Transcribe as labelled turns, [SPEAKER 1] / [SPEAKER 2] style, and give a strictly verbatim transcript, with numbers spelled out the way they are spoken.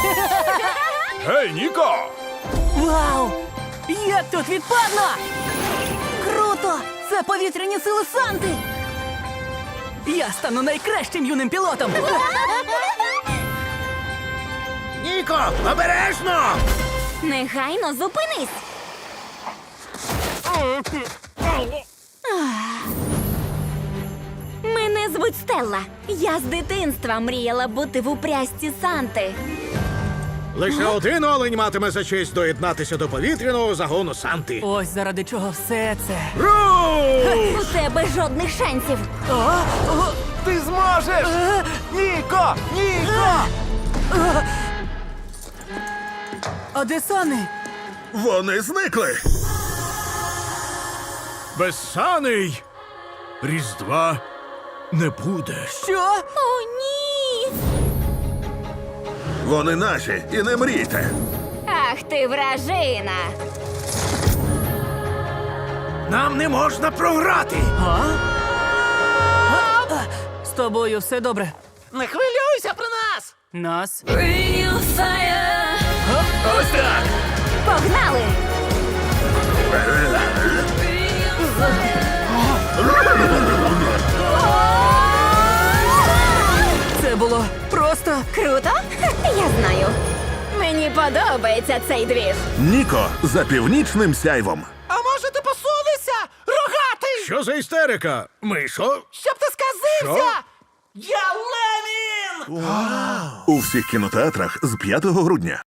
[SPEAKER 1] Гей, Ніко!
[SPEAKER 2] Вау! Як тут відпадно! Круто! Це повітряні сили Санти! Я стану найкращим юним пілотом!
[SPEAKER 3] Ніко, обережно!
[SPEAKER 4] Негайно зупинись! Мене звуть Стелла. Я з дитинства мріяла бути в упрясті Санти.
[SPEAKER 3] Лише один олень матиме за честь доєднатися до повітряного загону Санти.
[SPEAKER 2] Ось заради чого все це.
[SPEAKER 3] Руш!
[SPEAKER 4] У тебе жодних шансів.
[SPEAKER 1] Ти зможеш! Ніко! Ніко!
[SPEAKER 2] А де Сани?
[SPEAKER 3] Вони зникли. Без саней Різдва не буде.
[SPEAKER 2] Що?
[SPEAKER 4] О, ні!
[SPEAKER 3] Вони наші, і не мрійте.
[SPEAKER 4] Ах ти вражина!
[SPEAKER 3] Нам не можна програти.
[SPEAKER 2] З тобою все добре.
[SPEAKER 1] Не хвилюйся про нас!
[SPEAKER 2] Нас?
[SPEAKER 1] Ось так!
[SPEAKER 4] Погнали!
[SPEAKER 2] Це було просто.
[SPEAKER 4] Круто? Я знаю. Мені подобається цей двіж.
[SPEAKER 5] Ніко за північним сяйвом.
[SPEAKER 1] А може ти посунешся? Рогатий!
[SPEAKER 3] Що за істерика? Мишо?
[SPEAKER 1] Щоб ти сказився! Я Ленін!
[SPEAKER 5] У всіх кінотеатрах з п'ятого грудня.